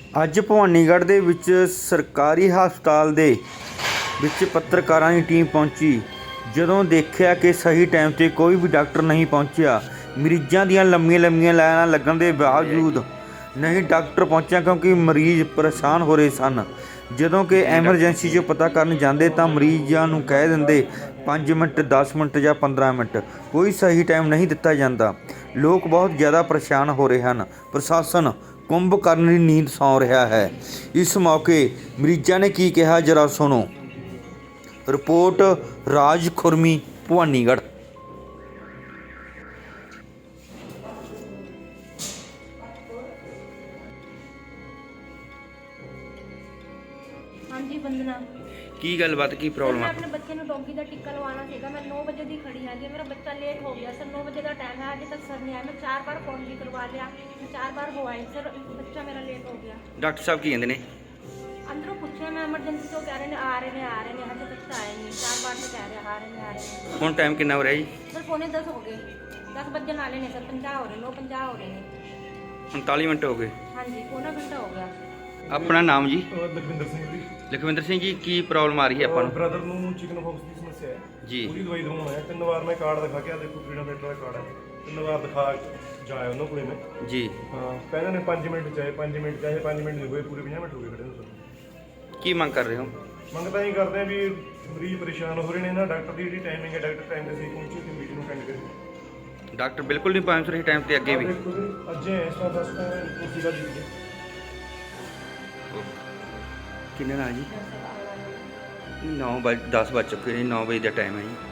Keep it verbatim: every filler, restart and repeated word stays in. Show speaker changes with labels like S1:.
S1: ਅੱਜ ਭਵਾਨੀਗੜ੍ਹ ਦੇ ਵਿੱਚ ਸਰਕਾਰੀ ਹਸਪਤਾਲ ਦੇ ਵਿੱਚ ਪੱਤਰਕਾਰਾਂ ਦੀ ਟੀਮ ਪਹੁੰਚੀ। ਜਦੋਂ ਦੇਖਿਆ ਕਿ ਸਹੀ ਟਾਈਮ 'ਤੇ ਕੋਈ ਵੀ ਡਾਕਟਰ ਨਹੀਂ ਪਹੁੰਚਿਆ, ਮਰੀਜ਼ਾਂ ਦੀਆਂ ਲੰਮੀਆਂ ਲੰਮੀਆਂ ਲਾਈਨਾਂ ਲੱਗਣ ਦੇ ਬਾਵਜੂਦ ਨਹੀਂ ਡਾਕਟਰ ਪਹੁੰਚਿਆ ਕਿਉਂਕਿ ਮਰੀਜ਼ ਪਰੇਸ਼ਾਨ ਹੋ ਰਹੇ ਸਨ। ਜਦੋਂ ਕਿ ਐਮਰਜੈਂਸੀ 'ਚ ਪਤਾ ਕਰਨ ਜਾਂਦੇ ਤਾਂ ਮਰੀਜ਼ਾਂ ਨੂੰ ਕਹਿ ਦਿੰਦੇ ਪੰਜ ਮਿੰਟ, ਦਸ ਮਿੰਟ ਜਾਂ ਪੰਦਰਾਂ ਮਿੰਟ। ਕੋਈ ਸਹੀ ਟਾਈਮ ਨਹੀਂ ਦਿੱਤਾ ਜਾਂਦਾ। ਲੋਕ ਬਹੁਤ ਜ਼ਿਆਦਾ ਪਰੇਸ਼ਾਨ ਹੋ ਰਹੇ ਹਨ। ਪ੍ਰਸ਼ਾਸਨ ਕੁੰਭਕਰਨ ਦੀ ਨੀਂਦ ਸੌਂ ਰਿਹਾ ਹੈ। ਇਸ ਮੌਕੇ ਮਰੀਜ਼ਾਂ ਨੇ ਕੀ ਕਿਹਾ, ਜਰਾ ਸੁਣੋ। ਰਿਪੋਰਟ ਰਾਜ ਖੁਰਮੀ, ਭਵਾਨੀਗੜ੍ਹ।
S2: ਹਾਂਜੀ वंदना,
S1: ਕੀ ਗੱਲਬਾਤ, ਕੀ ਪ੍ਰੋਬਲਮ
S2: मैं
S1: ਆ?
S2: अपने बच्चे ਨੂੰ डॉगी का टिक्का लवाना सीगा। मैं नौ बजे दी खड़ी हाँ जी, मेरा बच्चा लेट हो गया सर। नौ बजे का टाइम है, अभी तक सर नहीं आया। मैं चार बार फोन भी करवा लिया, मैं चार बार हो आई सर, बच्चा मेरा लेट हो गया।
S1: ਡਾਕਟਰ ਸਾਹਿਬ ਕੀ ਕਹਿੰਦੇ ਨੇ?
S2: अंदरों पूछे मैं एमरजेंसी तो कह रहे हैं आ रहे हैं आ रहे हैं, हजे तक तो आए नहीं। चार बार से कह रहे हैं आ रहे हैं आ रहे हैं।
S1: ਹੁਣ ਟਾਈਮ ਕਿੰਨਾ ਹੋ ਰਿਹਾ ਜੀ?
S2: सर पौने दस हो गए, दस बजे नाले ने सर, पंजाह हो रहे, नौ पंजाह हो रहे हैं।
S1: उनतालीस मिनट हो गए।
S2: हाँ जी, पौना घंटा हो गया।
S1: ਆਪਣਾ ਨਾਮ ਜੀ?
S3: ਲਖਵਿੰਦਰ ਸਿੰਘ ਜੀ।
S1: ਲਖਵਿੰਦਰ ਸਿੰਘ ਜੀ, ਕੀ ਪ੍ਰੋਬਲਮ ਆ ਰਹੀ ਹੈ ਆਪਾਂ ਨੂੰ?
S3: ਬ੍ਰਦਰ ਨੂੰ ਚਿਕਨ ਫੌਕਸ ਦੀ ਸਮੱਸਿਆ ਹੈ
S1: ਜੀ।
S3: ਪੂਰੀ ਦਵਾਈ ਦਵਾਉਣਾ ਹੈ। ਤਿੰਨ ਵਾਰ ਮੈਂ ਕਾਰਡ ਦਿਖਾ ਕੇ ਆ ਦੇਖੋ, ਫਰੀडम ਫਾਈਟਰ ਦਾ ਕਾਰਡ ਹੈ। ਤਿੰਨ ਵਾਰ ਦਿਖਾ ਜਾਇਆ ਉਹਨਾਂ ਕੋਲੇ ਮੈਂ।
S1: ਜੀ।
S3: ਹਾਂ, ਕਹਿੰਦੇ ਨੇ ਪੰਜ ਮਿੰਟ ਚਾਹੇ ਪੰਜ ਮਿੰਟ ਚਾਹੇ ਪੰਜ ਮਿੰਟ ਨਹੀਂ ਹੋਏ, ਪੂਰੇ ਪੰਜਾਹ ਮਿੰਟ ਹੋ ਗਏ ਖੜੇ ਨੂੰ ਸਰ।
S1: ਕੀ ਮੰਗ ਕਰ ਰਹੇ ਹੋ?
S3: ਮੰਗ ਤਾਂ ਇਹ ਕਰਦੇ ਆ ਵੀ ਮਰੀਜ਼ ਪਰੇਸ਼ਾਨ ਹੋ ਰਹੇ ਨੇ ਨਾ। ਡਾਕਟਰ ਦੀ ਜਿਹੜੀ ਟਾਈਮਿੰਗ ਹੈ, ਡਾਕਟਰ ਟਾਈਮ ਤੇ ਸਹੀ ਪਹੁੰਚੇ ਤੇ ਮਰੀਜ਼ ਨੂੰ ਅਟੈਂਡ ਕਰੇ।
S1: ਡਾਕਟਰ ਬਿਲਕੁਲ ਨਹੀਂ ਪਹੁੰਚ ਰਹੇ ਟਾਈਮ ਤੇ ਅੱਗੇ ਵੀ?
S3: ਦੇਖੋ ਜੀ, ਅੱਜ ਇਸ ਤਰ੍ਹਾਂ ਦਸ ਤਾਂ ਕੁਰਸੀ ਦਾ ਜੀ।
S1: ਕਿੰਨੇ ਨਾਲ ਜੀ? ਨੌ ਵਜੇ ਦਸ ਵੱਜ ਚੁੱਕੇ ਨੇ। ਨੌ ਵਜੇ ਦਾ ਟਾਈਮ ਹੈ ਜੀ।